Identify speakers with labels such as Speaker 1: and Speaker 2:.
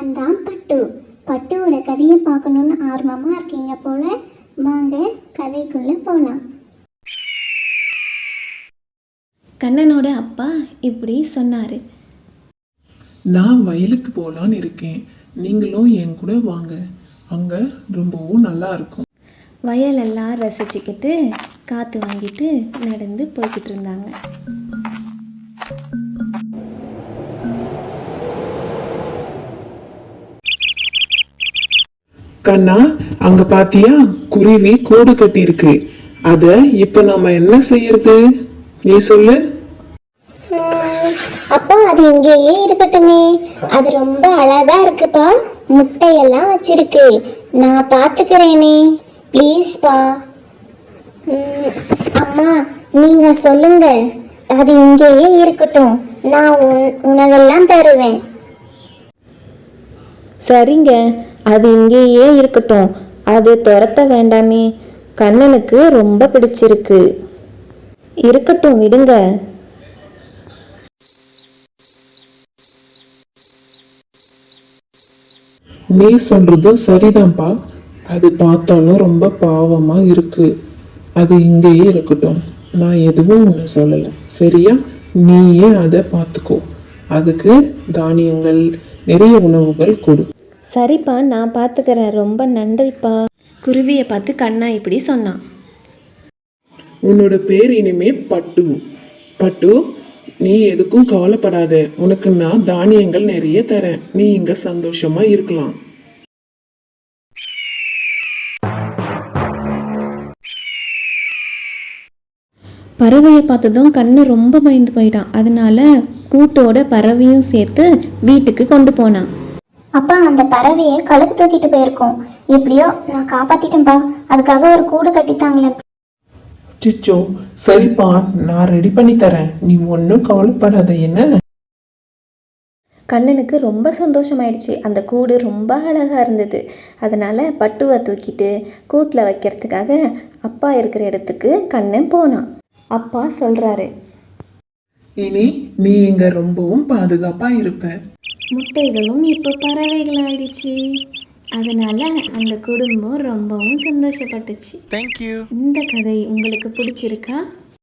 Speaker 1: நான் தான் பட்டு. பட்டுவோட கதையை பார்க்கணுன்னு ஆர்வமாக இருக்கீங்க போல. வாங்க கதைக்குள்ளே போகலாம்.
Speaker 2: கண்ணனோட அப்பா இப்படி சொன்னார்.
Speaker 3: நான் வயலுக்கு போகலான்னு இருக்கேன், நீங்களும் என் கூட வாங்க, அங்கே ரொம்பவும் நல்லா இருக்கும்.
Speaker 2: வயலெல்லாம் ரசிச்சுக்கிட்டு காற்று வாங்கிட்டு நடந்து போய்கிட்டு இருந்தாங்க.
Speaker 3: கண்ணா, அங்க பாத்தியா, குருவி கூடு கட்டி இருக்கு. அத இப்ப நாம என்ன செய்யறது, நீ சொல்லு.
Speaker 1: அப்பா அது இங்கேயே இருக்கட்டுமே, அது ரொம்ப அழகா இருக்குப்பா. முட்டையெல்லாம் வச்சிருக்கு, நான் பாத்துக்கிறேனே, ப்ளீஸ்பா. அம்மா நீங்க சொல்லுங்க, அது இங்கேயே இருக்கட்டும், நான் உணவெல்லாம் தருவேன்.
Speaker 2: சரிங்க, அது இங்கேயே இருக்கட்டும், அது துரத்த வேண்டாமே, கண்ணனுக்கு ரொம்ப பிடிச்சிருக்கு. இருக்கட்டும், விடுங்க.
Speaker 3: நீ சொல்றதும் சரிதான்ப்பா, அது பார்த்தாலும் ரொம்ப பாவமா இருக்கு. அது இங்கேயே இருக்கட்டும், நான் எதுவும் ஒன்று சொல்லலை, சரியா? நீயே அதை பார்த்துக்கோ, அதுக்கு தானியங்கள் நிறைய உணவுகள் கொடு.
Speaker 2: சரிப்பா, நான் பார்த்துக்கிறேன், ரொம்ப நன்றிப்பா. குருவியை பார்த்து கண்ணா இப்படி சொன்னான்.
Speaker 3: உன்னோட பேர் இனிமே பட்டு. பட்டு, நீ எதுக்கும் கவலைப்படாத, உனக்கு நான் தானியங்கள் நிறைய தரேன், நீ இங்க சந்தோஷமா இருக்கலாம்.
Speaker 2: பறவையை பார்த்ததும் கண்ணு ரொம்ப பயந்து போயிட்டான். அதனால கூட்டோட பறவையும் சேர்த்து வீட்டுக்கு கொண்டு போனான்.
Speaker 1: அப்பா அந்த பறவையை கழுத்து தூக்கிட்டு போயிருக்கோம், எப்படியோ நான் காப்பாத்திட்டேன்ப்பா. அதுக்காக ஒரு கூடு கட்டித்தாங்களேன்.
Speaker 3: சிச்சோ, சரிப்பா, நான் ரெடி பண்ணி தரேன், நீ ஒன்றும் கவலைப்படாத. என்ன?
Speaker 2: கண்ணனுக்கு ரொம்ப சந்தோஷமாயிடுச்சு. அந்த கூடு ரொம்ப அழகாக இருந்தது. அதனால் பட்டுவை தூக்கிட்டு கூட்டில் வைக்கிறதுக்காக அப்பா இருக்கிற இடத்துக்கு கண்ணன் போனான். அப்பா சொல்கிறாரு,
Speaker 3: இனி நீ இங்க ரொம்பவும் பாதுகாப்பா இருப்ப.
Speaker 2: முட்டைகளும் இப்போ பறவைகள் ஆயிடுச்சு. அதனால் அந்த குடும்பம் ரொம்பவும் சந்தோஷப்பட்டுச்சு.
Speaker 4: Thank you.
Speaker 2: இந்த கதை உங்களுக்கு பிடிச்சிருக்கா?